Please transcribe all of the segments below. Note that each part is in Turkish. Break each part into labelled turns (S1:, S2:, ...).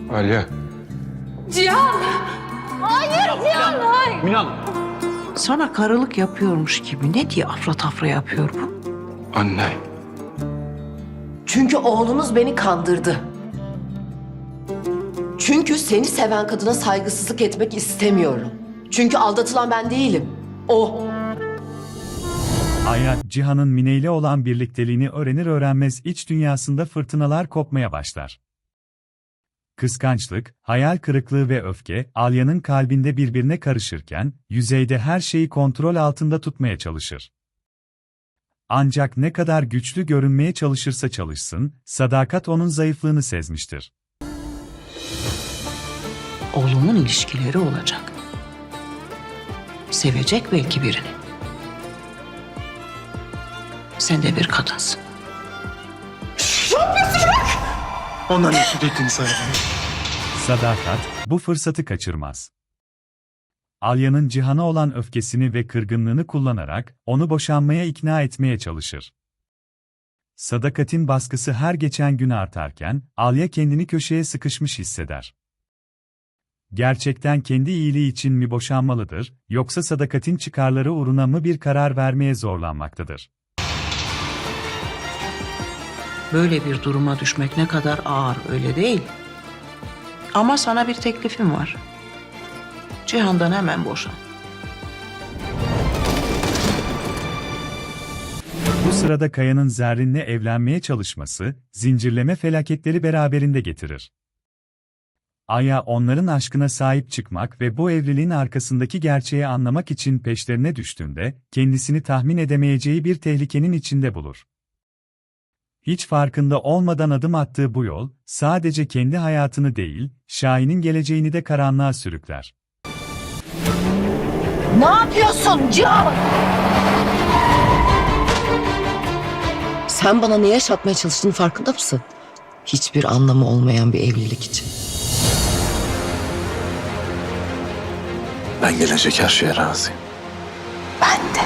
S1: Alya.
S2: Cihan! Hayır Cihan, hayır.
S1: Minan.
S3: Sana karılık yapıyormuş gibi ne diye afra tafra yapıyor bu?
S1: Anne.
S4: Çünkü oğlunuz beni kandırdı. Çünkü seni seven kadına saygısızlık etmek istemiyorum. Çünkü aldatılan ben değilim. O.
S5: Aya, Cihan'ın Mine ile olan birlikteliğini öğrenir öğrenmez iç dünyasında fırtınalar kopmaya başlar. Kıskançlık, hayal kırıklığı ve öfke, Alya'nın kalbinde birbirine karışırken, yüzeyde her şeyi kontrol altında tutmaya çalışır. Ancak ne kadar güçlü görünmeye çalışırsa çalışsın, Sadakat onun zayıflığını sezmiştir.
S3: Oğlumun ilişkileri olacak. Sevecek belki birini. Sen de bir kadınsın.
S1: Ondan nefret ettiğini sana.
S5: Sadakat, bu fırsatı kaçırmaz. Alya'nın Cihan'a olan öfkesini ve kırgınlığını kullanarak, onu boşanmaya ikna etmeye çalışır. Sadakat'in baskısı her geçen gün artarken, Alya kendini köşeye sıkışmış hisseder. Gerçekten kendi iyiliği için mi boşanmalıdır, yoksa Sadakat'in çıkarları uğruna mı bir karar vermeye zorlanmaktadır?
S3: Böyle bir duruma düşmek ne kadar ağır, öyle değil. Ama sana bir teklifim var. Cihan'dan hemen boşan.
S5: Bu sırada Kaya'nın Zerrin'le evlenmeye çalışması, zincirleme felaketleri beraberinde getirir. Aya onların aşkına sahip çıkmak ve bu evliliğin arkasındaki gerçeği anlamak için peşlerine düştüğünde, kendisini tahmin edemeyeceği bir tehlikenin içinde bulur. Hiç farkında olmadan adım attığı bu yol, sadece kendi hayatını değil, Şahin'in geleceğini de karanlığa sürükler.
S4: Ne yapıyorsun Cihan? Sen bana ne yaşatmaya çalıştığının farkında mısın? Hiçbir anlamı olmayan bir evlilik için.
S1: Ben gelecek her şeye razıyım.
S4: Ben de.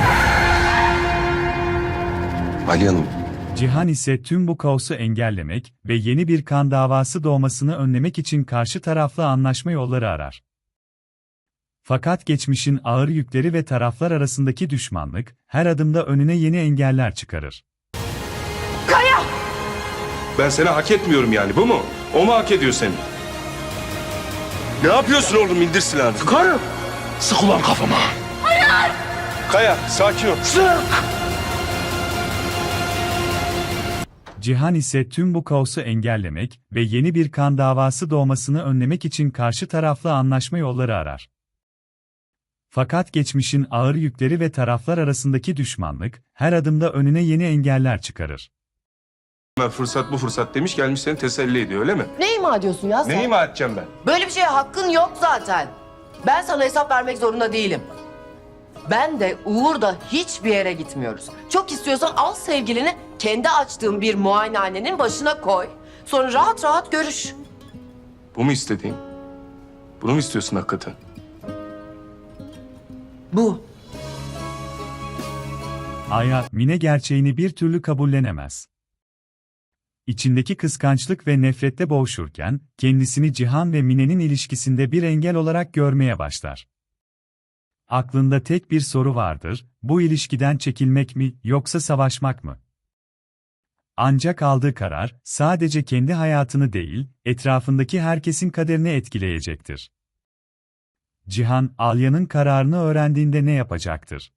S1: Alya Hanım.
S5: Cihan ise tüm bu kaosu engellemek ve yeni bir kan davası doğmasını önlemek için karşı tarafla anlaşma yolları arar. Fakat geçmişin ağır yükleri ve taraflar arasındaki düşmanlık, her adımda önüne yeni engeller çıkarır.
S1: Ben seni hak etmiyorum yani, bu mu? O mu hak ediyor seni? Ne yapıyorsun oğlum, indir silahını.
S6: Karım! Sık ulan kafama!
S1: Kaya, sakin ol.
S5: Cihan ise tüm bu kaosu engellemek ve yeni bir kan davası doğmasını önlemek için karşı tarafla anlaşma yolları arar. Fakat geçmişin ağır yükleri ve taraflar arasındaki düşmanlık, her adımda önüne yeni engeller çıkarır.
S1: Fırsat bu fırsat demiş, gelmiş seni teselli ediyor, öyle mi?
S4: Ne ima ediyorsun ya sen?
S1: Ne ima edeceğim ben?
S4: Böyle bir şeye hakkın yok zaten. Ben sana hesap vermek zorunda değilim. Ben de Uğur da hiçbir yere gitmiyoruz. Çok istiyorsan al sevgilini kendi açtığın bir muayenehanenin başına koy. Sonra rahat rahat görüş.
S1: Bu mu istediğin? Bunu mu istiyorsun hakikaten?
S4: Bu.
S5: Aya, Mine gerçeğini bir türlü kabullenemez. İçindeki kıskançlık ve nefrette boğuşurken, kendisini Cihan ve Mine'nin ilişkisinde bir engel olarak görmeye başlar. Aklında tek bir soru vardır, bu ilişkiden çekilmek mi, yoksa savaşmak mı? Ancak aldığı karar, sadece kendi hayatını değil, etrafındaki herkesin kaderini etkileyecektir. Cihan, Alya'nın kararını öğrendiğinde ne yapacaktır?